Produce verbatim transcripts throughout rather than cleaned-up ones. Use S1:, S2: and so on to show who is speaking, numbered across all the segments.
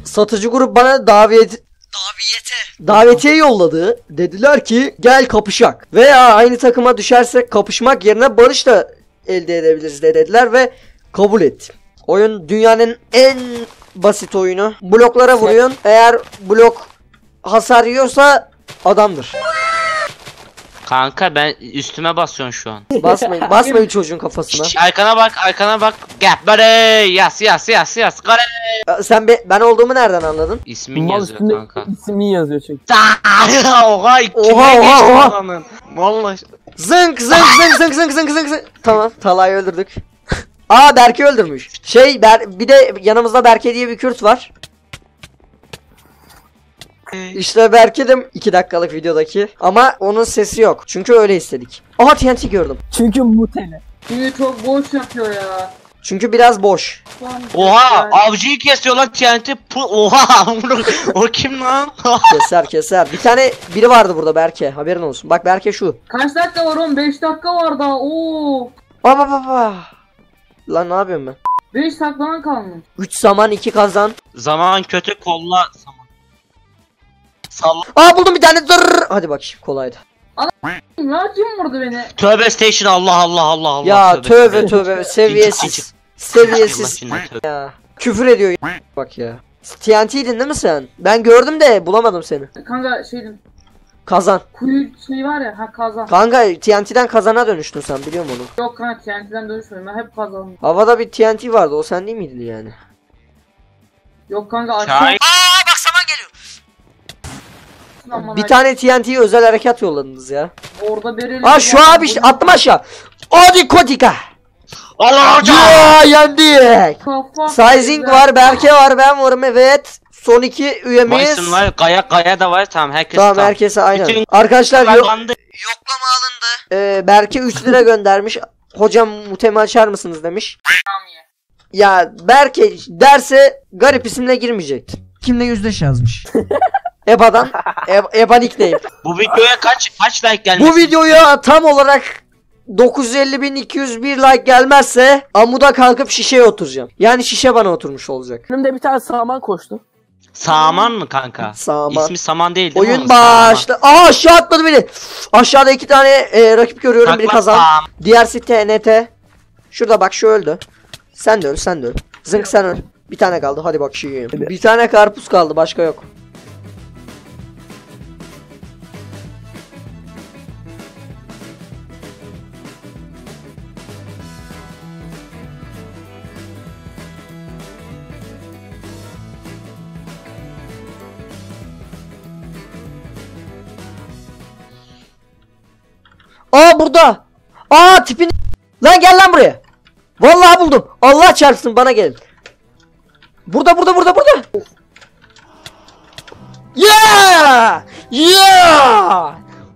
S1: satıcı grup bana davet daviyete davetiye yolladı. Dediler ki gel kapışak. Veya aynı takıma düşersek kapışmak yerine barış da elde edebiliriz de dediler ve kabul ettim. Oyun dünyanın en basit oyunu. Bloklara vuruyorsun. Eğer blok hasar yiyorsa adamdır.
S2: Kanka ben üstüme basıyorsun şu an.
S1: Basmayın, basmayın çocuğun kafasına.
S2: Şş, arkana bak, arkana bak. Gel böyle yas yas yas yas. Kare.
S1: Sen be, ben olduğumu nereden anladın?
S2: İsmin
S3: Mal
S2: yazıyor
S3: üstünde
S2: kanka.
S3: ismin yazıyor çünkü.
S2: Oha, kime
S1: Oha,
S2: geçti
S1: oha.
S2: adamın? Vallahi.
S1: Zınk zınk zınk zınk zınk zınk zınk zınk. Tamam, Talha'yı öldürdük. Aa, Berke öldürmüş. Şey Ber bir de yanımızda Berke diye bir Kürt var. İşte Berke de iki dakikalık videodaki ama onun sesi yok. Çünkü öyle istedik. Aha, T N T gördüm.
S3: Çünkü mutele.
S4: Çünkü çok boş yapıyor ya.
S1: Çünkü biraz boş.
S2: Oha, avcıyı kesiyorlar T N T. Oha, o kim lan?
S1: Keser keser. Bir tane biri vardı burada Berke. Haberin olsun. Bak Berke şu.
S4: Kaç dakika var oğlum? beş dakika var daha. Oo.
S1: Baba baba. Lan ne yapıyorum ben?
S4: beş dakikadan kalmış.
S1: üç saman iki kazan.
S2: Zaman kötü, kolla zaman. Salla.
S1: Aa, buldum bir tane. Dur. Hadi bak, kolaydı.
S4: Ya kim vurdu beni?
S2: Tövbe station, Allah Allah Allah Allah.
S1: Ya tövbe tövbe, seviyesiz. Seviyesiz
S2: Seviyesiz.
S1: ya. Küfür ediyor ya. Bak ya. T N T'ydin değil mi sen? Ben gördüm de bulamadım seni.
S4: Kanka şeydim.
S1: Kazan.
S4: Kuyu şey var ya, ha kazan.
S1: Kanka T N T'den kazana dönüştün sen, biliyor musun onu?
S4: Yok kanka, T N T'den dönüşmedim, ben hep kazandım.
S1: Havada bir T N T vardı, o sen değil miydin yani?
S4: Yok kanka, aşağı.
S2: Çay.
S1: Aa bak, saman geliyor.
S4: Aman
S1: Bir
S4: ay-
S1: tane T N T'yi özel harekat yolladınız ya.
S4: Orada bereli.
S1: Aa şu abi işte, attım aşağı. Hadi Kotika.
S2: Allah hocam.
S1: Ya yendik.
S4: Kafa-
S1: Sizing var, Berke var, ben varım, evet. Son iki üyemiz.
S2: Bison var, Gaya Gaya da var, tamam herkes
S1: Tamam,
S2: tam.
S1: herkese aynen.
S2: Bütün
S1: Arkadaşlar yo
S2: bandı.
S1: yoklama alındı. Ee, Berke üç lira göndermiş. Hocam mutemi açar mısınız demiş. Ya Berke derse garip isimle girmeyecek. Kimle yüzleş yazmış. Eba'dan. E Eba nickname.
S2: Bu videoya kaç kaç like gelmiş?
S1: Bu videoya tam olarak dokuz yüz elli bin iki yüz bir like gelmezse amuda kalkıp şişeye oturacağım. Yani şişe bana oturmuş olacak.
S3: Önümde bir tane saman koştu.
S2: Saman mı kanka?
S1: Saman.
S2: İsmi Saman değil değil mi
S1: Oyun
S2: onun? Saman.
S1: başla. Aa, aşağı atladı beni. Aşağıda iki tane e, rakip görüyorum.
S2: Takla
S1: Biri kazan.
S2: Saman.
S1: Diğersi T N T. Şurada bak, şu öldü. Sen de öl, sen de öl. Zınk sen öl. Bir tane kaldı, hadi bak şu yiyeyim. Bir tane karpuz kaldı, başka yok. Aa burada. Aa tipini. Lan gel lan buraya. Vallahi buldum. Allah çarpsın, bana gelin. Burada burada burada burada. Yeah! Yeah!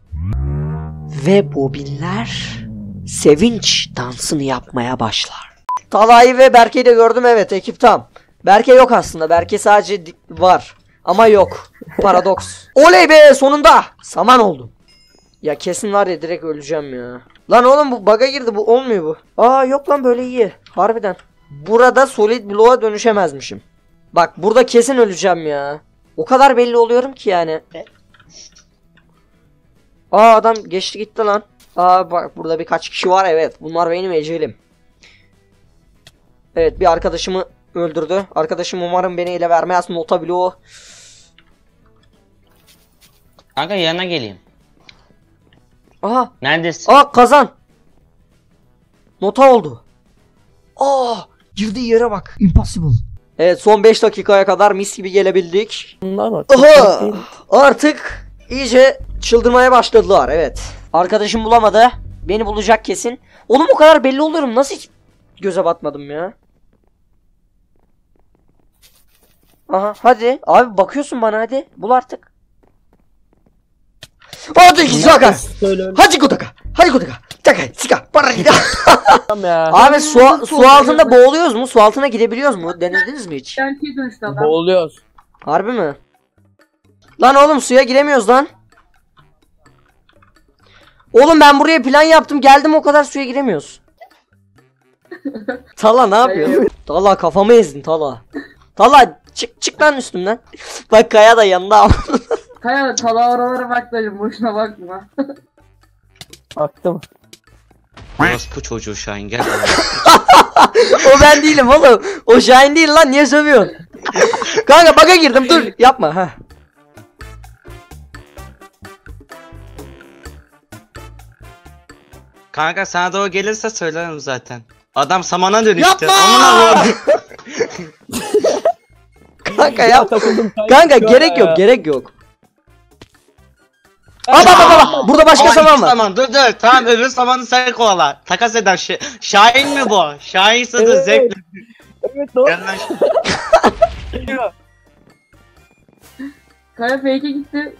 S1: Ve bobinler sevinç dansını yapmaya başlar. Talha'yı ve Berke'yi de gördüm, evet, ekip tam. Berke yok aslında, Berke sadece var ama yok. Paradoks. Oley be, sonunda. Saman oldum. Ya kesin var ya, direkt öleceğim ya. Lan oğlum bu bug'a girdi, bu olmuyor bu. Aa yok lan, böyle iyi. Harbiden. Burada solid bloğa dönüşemezmişim. Bak burada kesin öleceğim ya. O kadar belli oluyorum ki yani. Aa adam geçti gitti lan. Aa bak burada birkaç kişi var, evet. Bunlar benim ecelim. Evet, bir arkadaşımı öldürdü. Arkadaşım umarım beni ele vermez. Nota bloğu.
S2: Kanka yanına geleyim.
S1: Aha.
S2: Neredesin?
S1: Aa kazan. Nota oldu. Aa girdiği yere bak. Impossible. Evet, son beş dakikaya kadar mis gibi gelebildik.
S3: Bunlar var.
S1: Aha! Artık iyice çıldırmaya başladılar, evet. Arkadaşım bulamadı. Beni bulacak kesin. Oğlum o kadar belli oluyorum. Nasıl hiç göze batmadım ya? Aha hadi. Abi bakıyorsun bana, hadi. Bul artık. Hadi Saka. Hadi Kutaka. Hadi Kutaka. Taka, sika, para gida.
S3: Ya.
S1: Abi su, su altında boğuluyoruz mu? Su altına gidebiliyoruz mu? Denediniz mi hiç?
S4: T N T'ye dönüştü adam.
S3: Boğuluyoruz.
S1: Harbi mi? Lan oğlum suya giremiyoruz lan. Oğlum ben buraya plan yaptım, geldim, o kadar suya giremiyoruz. Tala ne yapıyorsun? Tala kafamı ezdin Tala. Tala Çık çık lan üstümden. Bak Kaya da yanında.
S4: Kaya tala oralara bak dayım boşuna bakma.
S3: Baktım.
S2: Orospu çocuğu Şahin gel.
S1: O ben değilim oğlum. O Şahin değil lan, niye sövüyorsun? Kanka baka girdim, dur yapma ha.
S2: Kanka sana da o gelirse söylerim zaten. Adam samana dönüştü.
S1: Yapma!
S2: Amına koyayım.
S1: Kanka
S3: Ya
S1: yap.
S3: takıldım.
S1: Kanka
S3: Ya.
S1: gerek yok, gerek yok. Aa bak bak bak, burada başka
S2: Ama
S1: saman
S2: iki
S1: var.
S2: Saman. Dur dur tamam öbür samanı sen kovala. Takas eder şey. Şahin mi bu? Şahinse de
S3: Evet.
S2: zevkli.
S3: Evet doğru.
S2: Gel lan.
S4: Kaya fake'e gitti.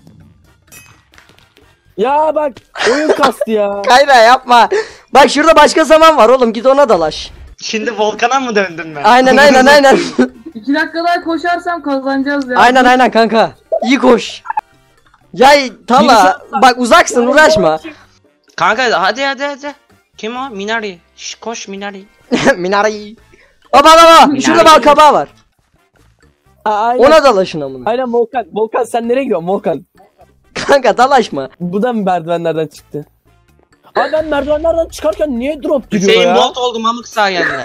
S3: Ya bak oyun kastı ya.
S1: Kayra yapma. Bak şurada başka saman var oğlum, git ona dalaş.
S2: Şimdi volkana mı döndün ben?
S1: Aynen aynen aynen.
S4: İki dakika daha koşarsam kazanacağız ya.
S1: Aynen aynen kanka. İyi koş. Ya Tala bak uzaksın, uğraşma.
S2: Kanka hadi hadi hadi. Kim o? Minari. Şş, koş Minari.
S1: Minari. Aa bak bak bak, şurada bal kabağı var.
S3: Aa, aynen.
S1: Ona dalaşın amına.
S3: Aynen Volkan. Volkan sen nereye gidiyorsun Volkan?
S1: Kanka dalaşma.
S3: Bu da mı merdivenlerden çıktı? Abi ben merdivenlerden çıkarken niye drop giriyor
S2: Hüseyin
S3: ya?
S2: Bolt oldu mamık sayende.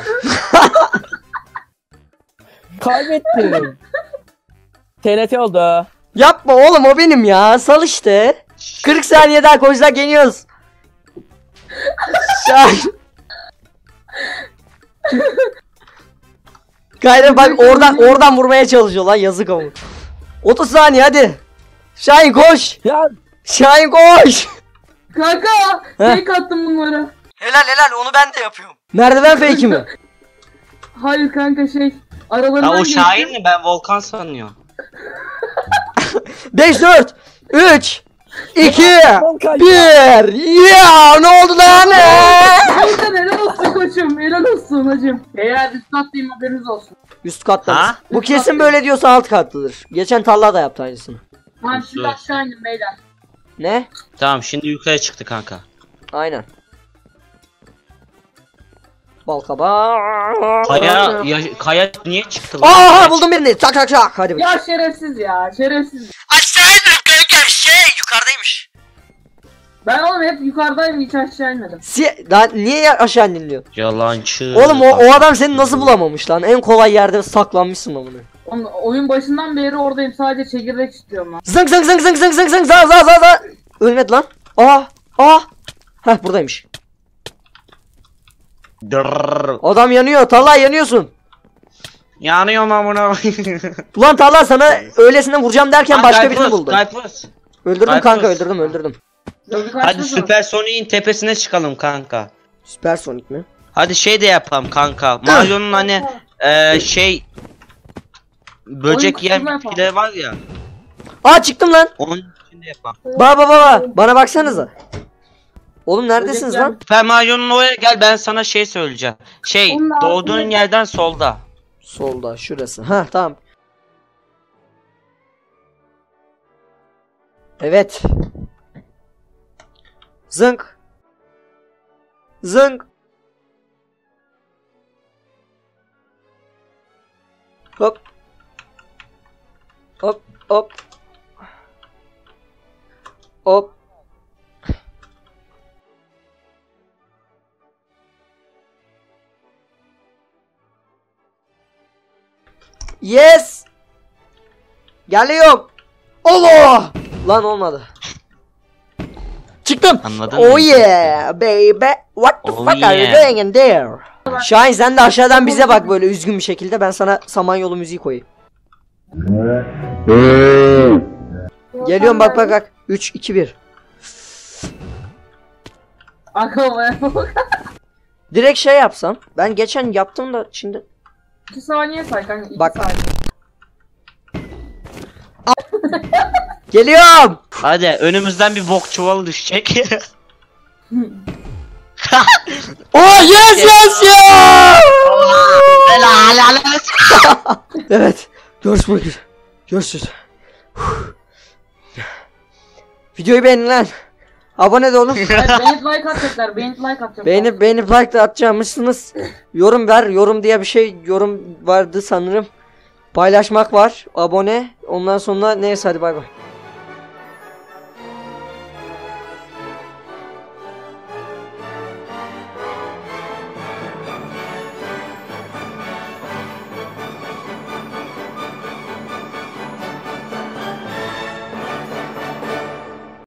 S3: Kaybettim. T N T oldu.
S1: Yapma oğlum, o benim ya. Sal işte. kırk saniye daha koşsak yeniyoruz. Şahin. Kayra bak oradan oradan vurmaya çalışıyor lan, yazık ama. otuz saniye hadi. Şahin koş.
S3: Ya
S1: Şahin koş.
S4: Kanka fake attım bunları.
S1: Helal helal, onu ben de yapıyorum. Merdiven fake'i mi?
S4: Hayır kanka şey.
S2: Ya
S4: Aralarından
S2: o
S4: geçtim.
S2: Şahin mi? Ben Volkan sanıyorum.
S1: beş dört üç iki
S3: Volkan
S1: bir. Ya ne oldu lan?
S4: Volkan helal olsun koçum. Helal olsun hacım. Eğer üst kattayım haberiniz olsun.
S1: Üst katta.
S2: Ha?
S1: Bu kesin böyle diyorsa alt katlıdır. Geçen Talha da yaptı aynısını.
S4: Ben
S2: Nasıl?
S4: şimdi aşağı indim beyler.
S1: Ne?
S2: Tamam şimdi yukarı çıktı kanka.
S1: Aynen. Balkabağı.
S2: Kaya, ya, Kaya niye çıktı lan?
S1: Aa buldum birini. Çak çak çak. Hadi.
S4: Ya şerefsiz ya şerefsiz.
S1: Aşağı indim kanka. Şey yukarıdaymış.
S4: Ben oğlum hep yukarıdayım hiç aşağı inmedim.
S1: Si daha niye ya- aşağı indin?
S2: Yalancı.
S1: Oğlum o, o adam seni nasıl bulamamış lan? En kolay yerde saklanmışsın lan bunu.
S4: Oğlum, oyun başından beri oradayım sadece çekirdek istiyorum lan.
S1: Zınk zınk zınk zınk zınk zınk zınk za za za za. Ölmedi lan. Aa aa. Heh buradaymış.
S2: Dırrrr.
S1: Adam yanıyor. Talha yanıyorsun.
S2: Yanıyorum amına.
S1: Ulan Talha sana öylesine vuracağım derken başka birini buldum.
S2: Skypers.
S1: Öldürdüm
S2: Skypers.
S1: kanka, öldürdüm öldürdüm.
S4: Dövdü
S2: Hadi
S4: kaçtı sonra.
S2: Süpersonic'in tepesine çıkalım kanka.
S1: Süpersonik mi?
S2: Hadi şey de yapalım kanka. Mario'nun hani eee şey böcek
S4: Oyun
S2: yiyen
S4: kutusuna yapalım.
S2: bitkileri var ya.
S1: Aa çıktım lan.
S2: Onun içinde yapalım.
S1: Baba baba bana baksanıza. Oğlum neredesiniz
S4: Böcekler-
S1: lan?
S2: Süper Mario'nun oraya gel ben sana şey söyleyeceğim. Şey
S4: Onun
S2: doğduğun
S4: altında-
S2: yerden solda.
S1: Solda şurası. Ha tamam. Evet. Zınk. Zınk. Hop. Hop hop. Hop. Yes. Geliyorum. Allah. Lan olmadı. Çıktım.
S2: Anladın
S1: Oh
S2: mı?
S1: yeah baby. What the
S2: Oh
S1: fuck are you
S2: yeah.
S1: doing in there? Şahin sen de aşağıdan bize bak böyle üzgün bir şekilde, ben sana Samanyolu müziği koyayım. Geliyorum bak bak bak. üç iki bir.
S4: Aklıma
S1: Direkt şey yapsam. Ben geçen yaptım da şimdi.
S4: iki saniye say kanka iki
S1: Bak.
S4: saniye.
S1: Geliyorum.
S2: Hadi önümüzden bir bok çuvalı düşecek.
S1: Oh yes yes yes.
S2: Helal helal.
S1: Evet. Görüşmek üzere. Görüşürüz. Videoyu beğenin lan. Abone de olun.
S4: Evet, beğenip like atacaklar beğenip like atacaklar.
S1: Beğenip beğenip like de atacakmışsınız. Yorum ver. Yorum diye bir şey yorum vardı sanırım. Paylaşmak var. Abone. Ondan sonra neyse hadi bay bay.